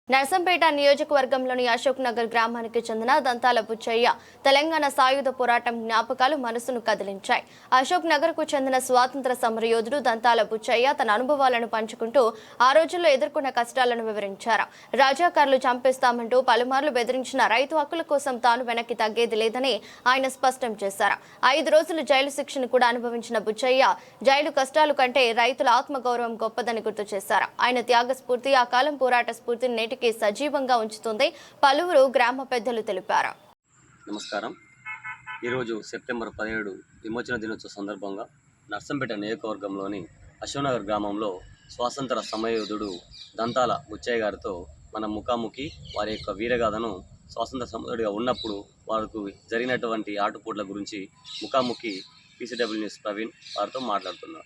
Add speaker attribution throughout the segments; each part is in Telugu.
Speaker 1: నర్సంపేట నియోజకవర్గంలోని అశోక్ నగర్ గ్రామానికి చెందిన దంతాల బుచ్చయ్య తెలంగాణ సాయుధ పోరాటం జ్ఞాపకాలు మనసును కదిలించాయి. అశోక్ నగర్ కు చెందిన స్వాతంత్ర సమరయోధుడు దంతాల బుచ్చయ్య తన అనుభవాలను పంచుకుంటూ ఆ రోజుల్లో ఎదుర్కొన్న కష్టాలను వివరించారు. రాజాకారులు చంపేస్తామంటూ పలుమార్లు బెదిరించిన రైతు హక్కుల కోసం తాను వెనక్కి తగ్గేది లేదని ఆయన స్పష్టం చేశారు. 5 రోజులు జైలు శిక్షను కూడా అనుభవించిన బుచ్చయ్య జైలు కష్టాలు కంటే రైతుల ఆత్మగౌరవం గొప్పదని గుర్తు చేశారు. ఆయన త్యాగ స్ఫూర్తి ఆ కాలం పోరాట స్ఫూర్తిని నేటికి సజీవంగా ఉంచుతుంది పలువురు గ్రామ పెద్దలు తెలిపారు.
Speaker 2: నమస్కారం. ఈరోజు సెప్టెంబర్ 17 విమోచన దినోత్సవ సందర్భంగా నర్సంపేట నియోజకవర్గంలోని అశోక్నగర్ గ్రామంలో స్వాతంత్ర సమరయోధుడు దంతాల బుచ్చయ్య గారితో మన ముఖాముఖి వారి యొక్క వీరగాథను స్వాతంత్ర సమరుడిగా ఉన్నప్పుడు వారికి జరిగినటువంటి ఆటుపోట్ల గురించి ముఖాముఖి PCW న్యూస్ ప్రవీణ్ వారితో మాట్లాడుతున్నారు.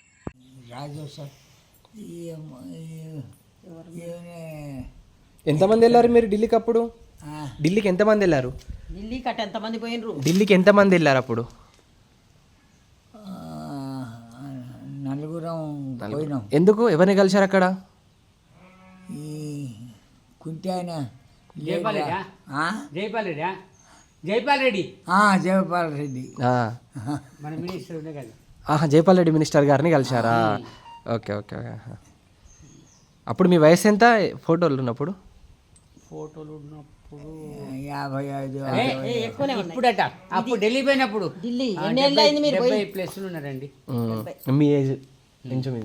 Speaker 3: ఎంతమంది వెళ్ళారు మీరు ఢిల్లీకి? అప్పుడు ఢిల్లీకి ఎంతమంది వెళ్ళారు? ఢిల్లీకి ఎంతమంది వెళ్ళారు అప్పుడు?
Speaker 4: నలుగురం పోయినాం.
Speaker 3: ఎందుకు? ఎవరిని కలిశారు అక్కడ?
Speaker 4: ఈ కుంటాయన
Speaker 5: జైపాల్ రెడ్డి మన మినిస్టర్ ఉండే కదా.
Speaker 3: జైపాల్ రెడ్డి మినిస్టర్ గారిని కలిశారా? Okay okay. అప్పుడు మీ వయసు ఎంత? ఫోటోలు ఉన్నప్పుడు
Speaker 4: 55
Speaker 5: ఇప్పుడట అప్పుడు ఢిల్లీ పోయినప్పుడు 70+ ఉన్నారండి.
Speaker 3: మీ ఏజ్